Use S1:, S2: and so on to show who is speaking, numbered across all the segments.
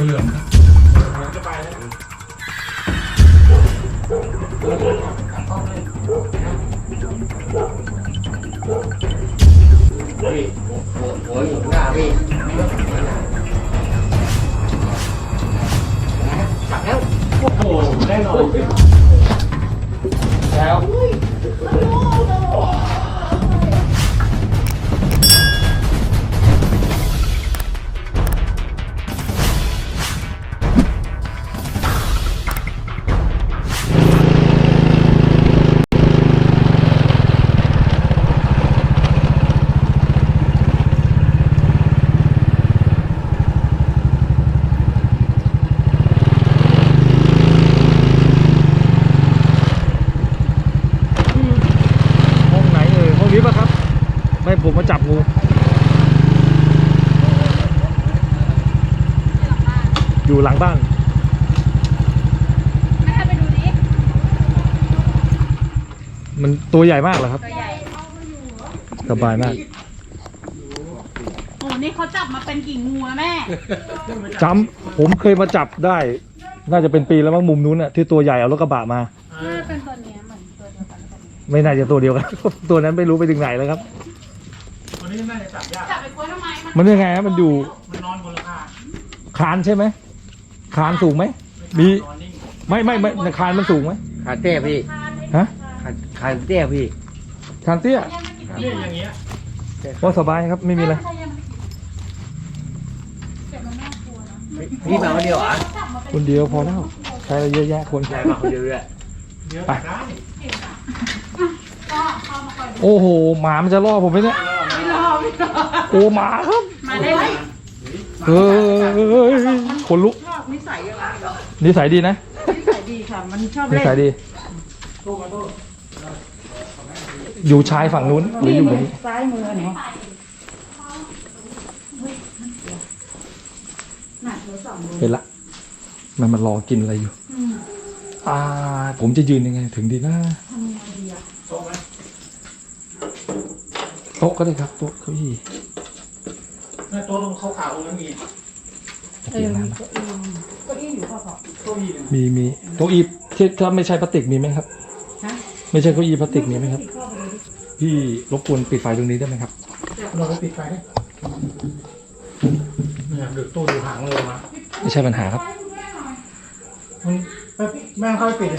S1: เหลืองครับจะไปแล้ว
S2: พี่หัวอยู่หน้าพี่จับแล้ว
S1: โอ้โหแน่นอนแล้ว
S3: ให้ผมมาจับงูอยู่หลังบ้าน
S4: ไม่ให้ไปดูดิ
S3: มันตัวใหญ่มากเหรอครับ
S4: ตัวใหญ่
S3: สบายมาก
S4: โอ้นี่เขาจับมาเป็นกี่งูแล้วแม่
S3: จำผมเคยมาจับได้น่าจะเป็นปีแล้วมั้งมุมนู้นน่ะที่ตัวใหญ่เอารถกระบะมา
S4: เป็นตัวนี้เหมือนตัวเดียวกัน
S3: ไม่น่าจะตัวเดียวกันตัวนั้นไม่รู้ไปถึงไหนแล้วครับ
S1: ตัวนี้น่าจะจับยาก
S4: จับไปกล้วยทำไม
S3: มันยังไงฮะมันอยู่
S1: มันนอนบนราคา
S3: คานใช่ไหมคานสูงไหมมีไม่คานมันสูงไหม
S2: คานเตี้ยพี่
S3: ฮะ
S2: คานเตี้ยพี่
S3: คานเตี้ย
S1: เนี่ยอย่างเงี้ย
S3: ว่าสบายครับไม่มีอะไร
S2: พี่มาคนเดียวอ่ะ
S3: คนเดียวพอแล้วใช้เยอะแยะคน
S2: ใช่มาคนเดียวเลย
S3: ไปโอ้โหหมามันจะล่อผมไหมเนี่ยโอ้หมาครับ
S4: มาได้ไหม
S3: เฮ้ยคนลุก
S4: นิสัยยังไงเหรอ
S3: นิสัยดีนะ
S4: นิสัยดีค่ะมันชอบเล่น
S3: นิสัยดีอยู่ชายฝั่งนู้นหรืออยู่ตรงนี้
S4: ซ้ายมือเนี่ย
S3: เห็นละมันรอกินอะไรอยู่ผมจะยืนยังไงถึงดีนะโต๊ะก็ได้ครับโต๊ะเก้าอี้
S1: โต๊ะตรงขาวๆตรงนั้นมี
S4: เก้าอี้อยู่ข้อ
S1: โต๊ะ
S3: มีโต๊ะอี้ที่ถ้าไม่ใช่พลาสติกมีไหมครับไม่ใช่เก้าอี้พลาสติกมีไหมครับพี่รบกวนปิดไฟตรงนี้ได้ไหมครับ
S1: เราไปปิดไฟได้เนี่ยดึกตู้ดูหางเลยมา
S3: ไม่ใช่ปัญหาครับ
S1: มันแม่เข้าไปปิดเลย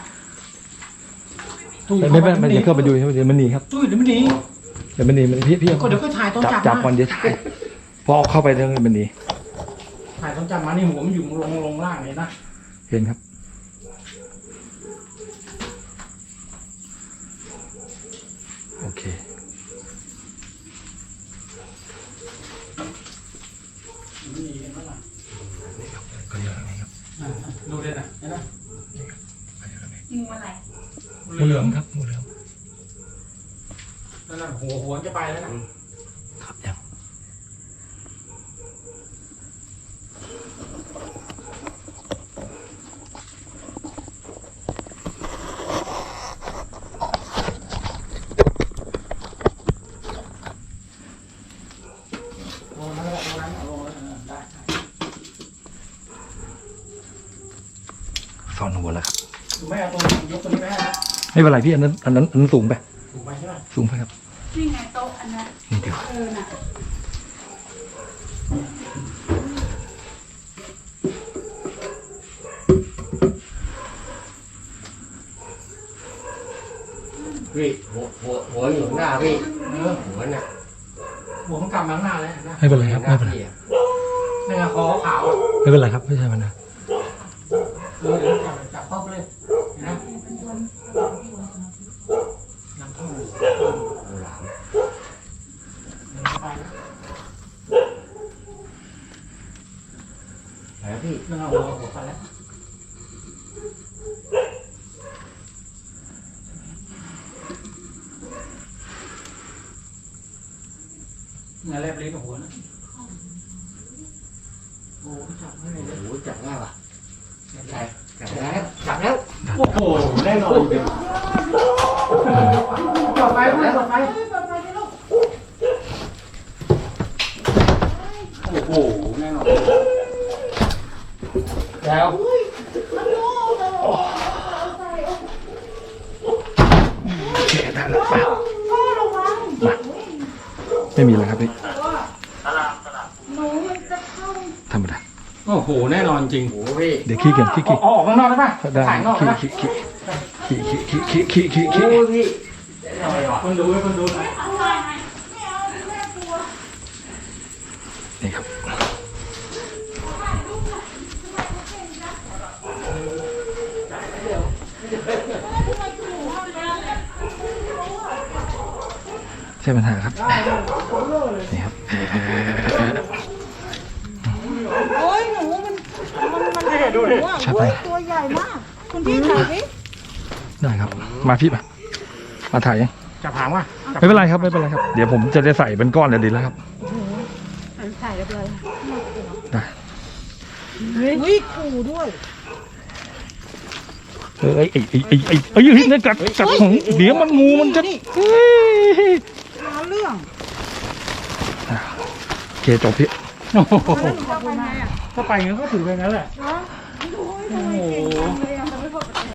S3: มันจะเข้าไปดูเดี๋ยวมันหนีครับ
S1: ตู้เดี๋ยวมันหนี
S3: เดี๋ยวมันหนีมันพี่
S1: เดี๋ยวก็ถ่ายต้อง
S3: จับก่อนเดี๋ยวถ่ายพอเข้าไปเดี๋ยวมันหนี
S1: ถ่ายต้องจับมานี่หัวมันอยู่ลงล่างเลยนะ
S3: เห็นครับโอเคก็เยอะนี่ครับ
S1: ดูเลยนะเห็นไหม
S4: งูอะไร
S3: งูเหลือมครับงูเหลือม
S1: นั่นหัวจะไปแล้วนะครับ
S3: ยังซ่อนหัวแล้วครับ
S1: ไม่เอาตัวยกตัวนี้ไป
S3: ไม่เป็นไรพี่อันนั้นสูงไป
S1: สูงไปใช่ไหม
S3: สูงไปครับ
S4: นี่ไงโต๊ะอันนั้น
S3: นี่เดี๋ยว
S4: น่ะ
S2: พี่หัวอยู่หน้าพี่หัวน่ะ
S1: หัวมันกลับมาข้างหน้าแล้วนะ
S3: ไม่เป็นไรครับไม่เป็นไร
S1: นี่ไงคอขาว
S3: ไม่เป็นไรครับไม่ใช่มันนะ
S1: เดี๋ยวจับเข้าไปเลยนะน้ำท่อมหลาม
S2: แล้วพี่
S1: นั่งเอาหัวไปแล้วงานแลบลิ้นหัวนะโอ้จับไม่ได้เลย
S2: โอ้จับง่ายว่ะจับแล้ว
S1: โอ้โหแน่นอนเลยต่อไปต่อไปโอ้โหแน่นอน
S3: ไม่มีเลยครับพี่
S4: หนูมันจะเข้า
S3: ธรรมดา
S1: โอ้โหแน่นอนจริง
S2: โอ้พี่
S3: เดี๋ยวขี้เกียจขี้
S1: เอาออกข้างนอกได้ป่ะ
S3: ได้
S1: ถ่ายข้างนอกได้
S3: ขี้
S1: ป่ะ
S3: ขี้
S2: โอ้พี่ได้หน่อยว่ะ
S1: คนดูให้คนดู
S3: นี่ครับใช่ปัญหาครับนี่ครับ
S4: โอ้ยหนูมัน
S3: ใช่ไป
S4: ตัวใหญ่มาก คุณพี่ถ่ายดิ
S3: ได้ครับ มาพี่มาถ่ายยัง
S1: จับหางว่ะ
S3: ไม่เป็นไรครับไม่เป็นไรครับ เดี๋ยวผมจะได้ใส่เป็นก้อนเลยดีแล้วครับ
S4: ถ่ายเรียบร้อย
S3: ได้
S4: อุ้ยขู่ด้วย
S3: เอ้ยนี่กัดของเดี๋ยวมันงูมันจะเฮ้ย
S4: หาเรื่อง
S3: โอเคจบพี่
S1: โอ้โห
S4: แล้วหนูเข้าไปไงอ่ะ
S1: ถ้าไปงั้นก็ถือไปงั้นแหละ
S4: โอ้ยทำไมเก่งจังเลย